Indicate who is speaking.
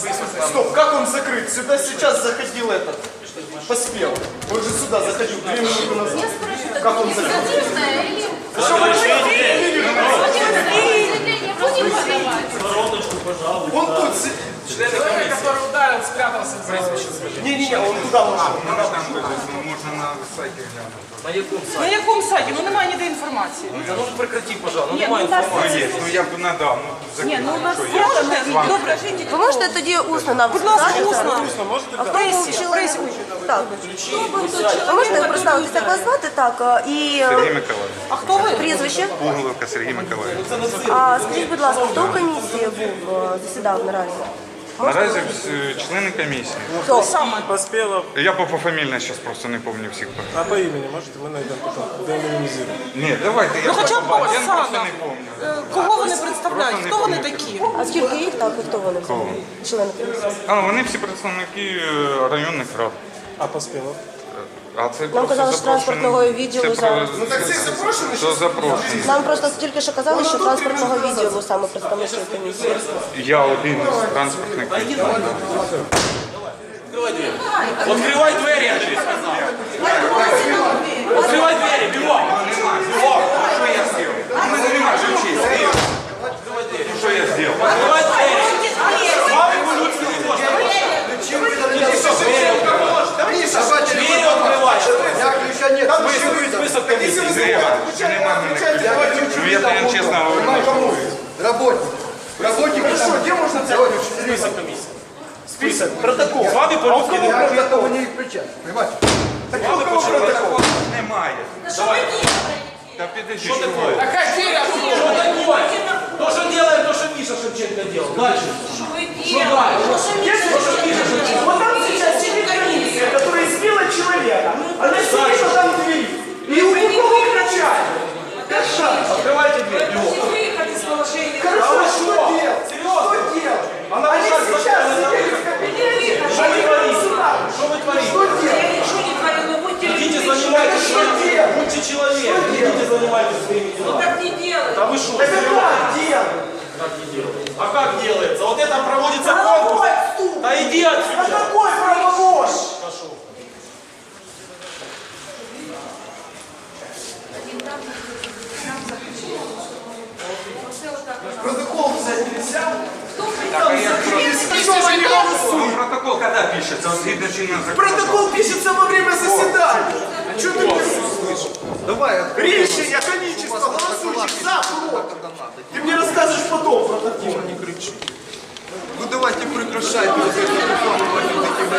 Speaker 1: Стоп, как он закрыт? Сюда сейчас заходил этот. Поспел. Он же сюда заходил 2 минуты назад. Как он закрыт? Что вы он тут
Speaker 2: Человек, который ударил, спрятался.
Speaker 1: Не-не-не, он туда пошел.
Speaker 3: Можно на сайте глянути.
Speaker 2: На якому
Speaker 4: На
Speaker 2: сайті?
Speaker 4: якому сайті? Ну немає ніде інформації.
Speaker 2: Та ну прекрати, пожалуйста, ну
Speaker 4: Ні,
Speaker 2: немає
Speaker 4: ну, у нас
Speaker 2: інформації.
Speaker 3: Є, ну я б надав, ну
Speaker 4: Ні, ну у нас
Speaker 3: закрив, що
Speaker 4: можете?
Speaker 3: З вами.
Speaker 4: Добре,
Speaker 5: Ви можете тоді усно нам
Speaker 4: будь ласка,
Speaker 5: сказати?
Speaker 4: усно.
Speaker 5: А
Speaker 4: В
Speaker 5: хто був
Speaker 4: пресі,
Speaker 5: чоловік?
Speaker 4: пресі.
Speaker 5: Так. Ви можете представитися, як вас звати? Так. І
Speaker 3: Сергій Миколаївич.
Speaker 4: А хто ви?
Speaker 5: прізвище?
Speaker 3: Пуголовка Сергій Миколаївич.
Speaker 5: А скажіть, будь ласка, хто в комісії був, засідав наразі?
Speaker 3: Наразі члени комісії.
Speaker 5: Хто?
Speaker 6: Поспелов,
Speaker 3: Я пофамільно зараз просто не пам'ятаю всіх.
Speaker 6: а по имени можете, мы найдем потом, деанонимизируем.
Speaker 3: Ні, давайте, я
Speaker 4: Ну хоча б
Speaker 3: побачу. Я просто
Speaker 4: Оксана.
Speaker 3: не пам'ятаю.
Speaker 4: Кого вони представляють?
Speaker 3: Просто не
Speaker 4: Хто вони
Speaker 3: пам'ятаю.
Speaker 4: такі?
Speaker 5: А скільки їх, так, і хто вони? Члени комісії.
Speaker 3: А, вони всі представники районних рад.
Speaker 6: А Поспелов?
Speaker 3: А це
Speaker 5: Нам
Speaker 3: просто
Speaker 5: казали, що
Speaker 3: запрошені-
Speaker 5: транспортного відділу
Speaker 3: це
Speaker 5: зараз.
Speaker 3: Ну так це запрошені? Це запрошені.
Speaker 5: Нам просто тільки що казали, що транспортного відділу саме представники комісії.
Speaker 3: Я один із транспортних.
Speaker 2: Открывай двері, я тобі сказав. Открывай двері, бігом.
Speaker 3: Що я зробив? У мене немає ключей. Що я зробив?
Speaker 2: Открывай двері. З вами по-людськи не можна. Двері відкривай. Список комісії.
Speaker 3: Це немає мене ключів. Ну я тобі чесно говорю.
Speaker 1: Работник. Хорошо, где можно взять список комиссии? Список, протокол.
Speaker 2: З вами по-людськи не можна.
Speaker 1: Протокол не включать. Понимаете? Так какого протокола?
Speaker 3: Немає.
Speaker 2: Давай.
Speaker 3: Та підожди,
Speaker 2: Что
Speaker 3: що
Speaker 2: такое?
Speaker 3: ви?
Speaker 2: Что такое? То, что делаем, то, что Миша Шевченко делал. Дальше. Что дальше? То, что Миша Шевченко.
Speaker 1: Вот там сейчас сидит комиссия, которая избила человека. Она сидит вот там в двери. И у кого кричать?
Speaker 2: Открывайте дверь. бегом.
Speaker 1: Хорошо,
Speaker 2: вы
Speaker 1: что
Speaker 2: что?
Speaker 1: делать?
Speaker 2: Серьезно?
Speaker 1: Что делать?
Speaker 2: Она
Speaker 1: Они
Speaker 2: сейчас
Speaker 1: сейчас
Speaker 2: закрыла
Speaker 1: сидели в кабинете.
Speaker 2: Что вы творите? Что вы творите?
Speaker 1: Что делать?
Speaker 2: Идите занимайтесь
Speaker 1: Что
Speaker 2: своим
Speaker 1: делать?
Speaker 2: Будьте человеком. Идите занимайтесь своими делами.
Speaker 7: Так не делай.
Speaker 2: Да вы что?
Speaker 1: Это как делать?
Speaker 2: Как не делается? А как делается? Вот это проводится конкурс. Да иди
Speaker 1: А
Speaker 2: отсюда.
Speaker 1: какой правовож?
Speaker 2: Пошел.
Speaker 1: Протокол взять нельзя?
Speaker 3: Так, а як
Speaker 1: Что
Speaker 3: протокол коли пишеться? От згідно чинного закону.
Speaker 1: Протокол пишется во время заседания. А что ты не слышишь?
Speaker 8: Давай,
Speaker 1: Решение количество голосующих за, против. Ты мне расскажешь потом протокол.
Speaker 8: ну давайте прекращайте вот это